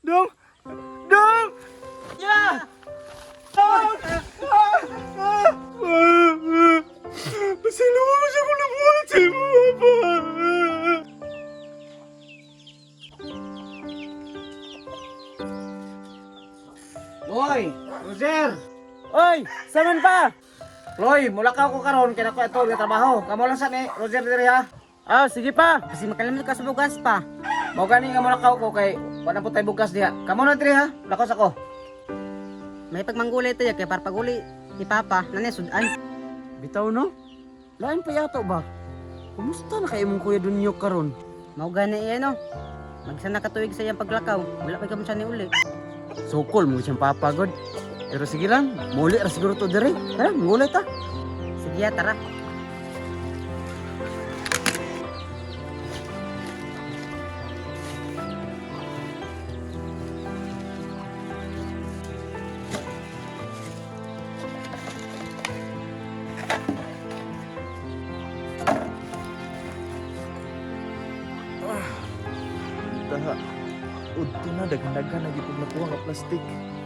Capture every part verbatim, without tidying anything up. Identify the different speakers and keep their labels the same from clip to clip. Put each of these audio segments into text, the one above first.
Speaker 1: Dong! Dong!
Speaker 2: Ya!
Speaker 1: Ah! Ah! Ah! Pasalamat mo siya kung nabuhat sa iyo, Papa!
Speaker 2: Boy! Roger!
Speaker 1: Oy! Saman pa!
Speaker 2: Loy, mula ka ako karon kaya ako ito ng trabaho. Kamu lang sa ni Roger diri ha.
Speaker 1: Ah, sige pa!
Speaker 3: Kasi makalimot ka sa bugas pa.
Speaker 2: Mao gani nga mula ka ko kay wala po tay bugas diha. Kamu na diri ha. Lakos ako.
Speaker 3: May pagmanggulay ito ya, kaya para paguli ni Papa, nanay sudan.
Speaker 1: Bitaw no? Lain pa yato ba? Kumusta na kayo mong kuya Dunyo karon?
Speaker 3: Mao gani iya no. Magsana ka tuig sa iyang paglakaw, wala pa ka siya ni uli.
Speaker 1: Sukol mo siyang papagod. Pero sige lang, muli ra siguro to diri. Ha, muli ta.
Speaker 3: Sige ya, tara.
Speaker 4: Taha, udto na daghan-daghan lagi pag nakuha nga plastic.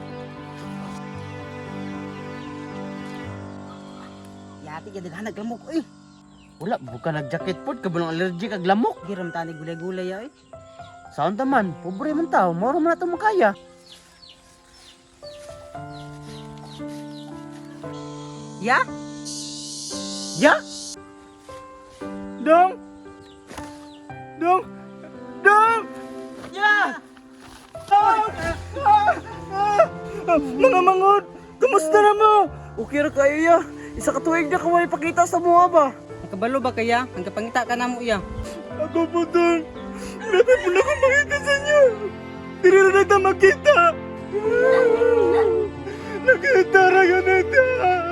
Speaker 3: Yati ka daghan naglamok eh.
Speaker 1: Wala, buka nag-jacket pod, kabulong allergic kag lamok.
Speaker 3: Giram tani gulay-gulay ya eh.
Speaker 1: Saan taman? Pobre man tao, moro man na ito makaya.
Speaker 3: Ya?
Speaker 1: Ya? Dong! Dong! Dong!
Speaker 2: Ya!
Speaker 1: Ah! Ah! Ah! Ah! Mga mangot! Kamusta na mo? Okay ra kayo ya? Isa ka tuig na kaway pakita sa mga ba?
Speaker 3: Nakabalo ba kaya? Ang kapangita ka na mo iya.
Speaker 1: Ako po dong! Grabe po na akong makita sa inyo! Dili na nagta makita! Nakita ra yun nagta!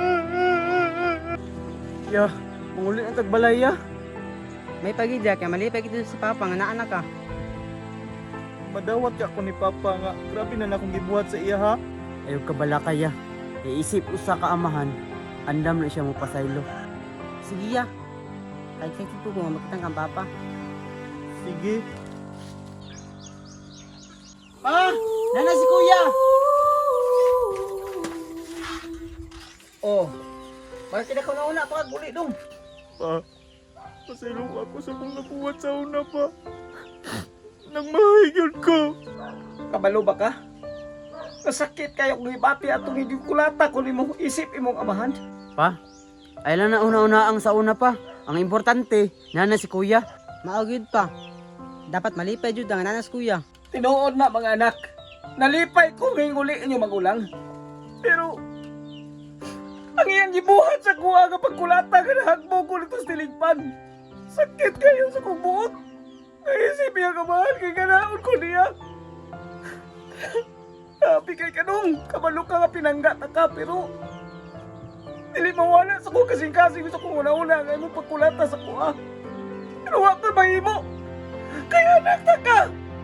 Speaker 1: Ya, manguli ang tagbalay ya.
Speaker 3: May pagidya, kaya malipay dito sa Papa, nga naanak ka.
Speaker 4: Madawat ka ako ni Papa nga. Grabe na na akong gibuhat sa iya ha.
Speaker 1: Ayaw ka bala kaya. Iisip usa ka amahan. Andam na siya mo pasaylo.
Speaker 3: Sige ya. Kahit sa tipo ko, makitang kang Papa.
Speaker 4: Sige.
Speaker 2: Pa! Nana si Kuya! Oh. Bakit na ko na una pa guli dong?
Speaker 4: Pa, pasilong ako sa kong nabuhat sa una pa. Nagmahigyan ko.
Speaker 2: Kabalo ba ka? Nasakit kayo kung ibati atong hindi kulata kung imong isip imong amahan.
Speaker 1: Pa, ay lang na una-una ang sa una pa. Ang importante, nana si kuya.
Speaker 3: Maugid pa. Dapat malipay jud ang nanas kuya.
Speaker 2: Tinuod na mga anak. Nalipay ko ngayong uli inyong magulang. Pero, ang iyang gibuhat sa kuha nga pagkulata ka na hagbo ko nito sa tiligpan. Sakit kayo sa kong buot. Naisip niya kamahan kay ganaon ko niya. Sabi kay kanong, kabalo ka nga pinangga na ka, pero dili mawala sa ko kasing-kasing gusto kong una-una nga imong pagkulata sa kuha. Pero wa ka mahimo. Kaya nagta ka.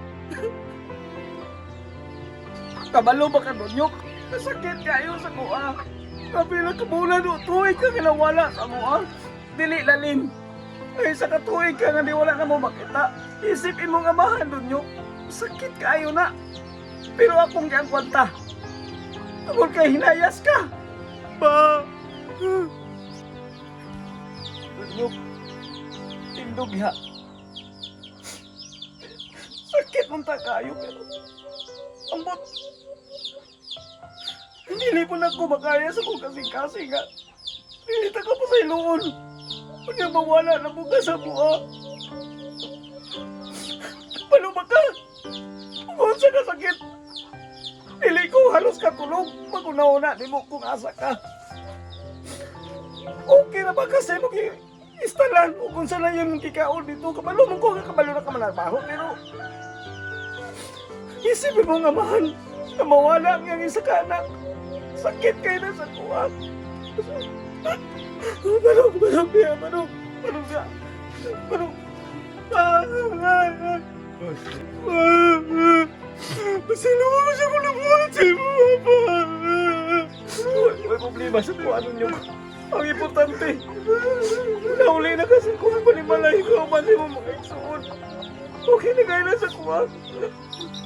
Speaker 2: Kabalo ba ka Donyok? Nasakit kayo sa kuha. Kapila ka mula no, tuwig ka ginawala sa mua. Dili lalim. Ay sa katuwig ka nga di wala na mo makita. Isipin mong amahan Donyok. Sakit kayo na. Pero akong kang kwanta. Tungkol kay hinayas ka.
Speaker 4: Pa!
Speaker 2: Donyok. Tindog ha. Sakit mong kayo pero ambot. Hindi po na ako makaya sa kong kasing-kasing ha. Nilita ka pa sa iluon. Kanya mawala na buka sa buha. Paluma ka. Kung sa kasakit. Dili ko halos katulog. Pag-una-una di mo kung asa ka. Okay na ba kasi mo ki istalan o kung saan na yun kikaon dito. Kabalo mo ko kabalo na ka manarbaho. Pero isipin mo nga mahan na mawala ang iyang isa ka anak. Sakit kayo na sa kuha. Manong, manong niya, manong, manong siya. Manong. Ah, ah, ah. Pasilungan mo siya kung nabuhat sa iyo, Papa. May problema sa kuha ninyo. Ang importante, nauli na kasi kuha pa ni Malay ko, mali mo mga isuon. Okay na kayo na sa kuha.